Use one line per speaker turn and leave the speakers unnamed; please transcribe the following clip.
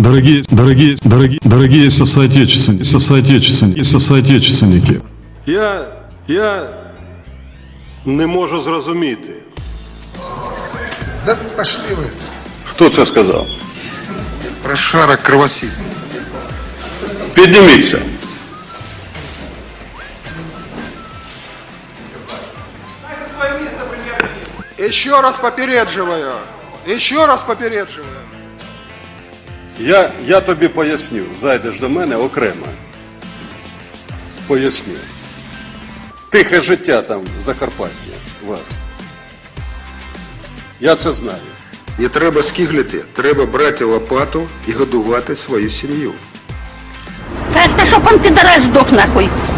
дорогие соотечественники.
Я не можу зрозуміти.
Да пошли вы.
Хто це сказав?
Прошарок кровосис.
Підніміться.
Еще раз попередживаю. Еще раз попередживаю.
Я тобі поясню. Зайдеш до мене окремо. Поясню. Тихе життя там в Закарпатті у вас. Я це знаю.
Не треба скиглити, треба брати лопату і годувати свою сім'ю.
Как-то, чтоб он, пидорас, сдох нахуй.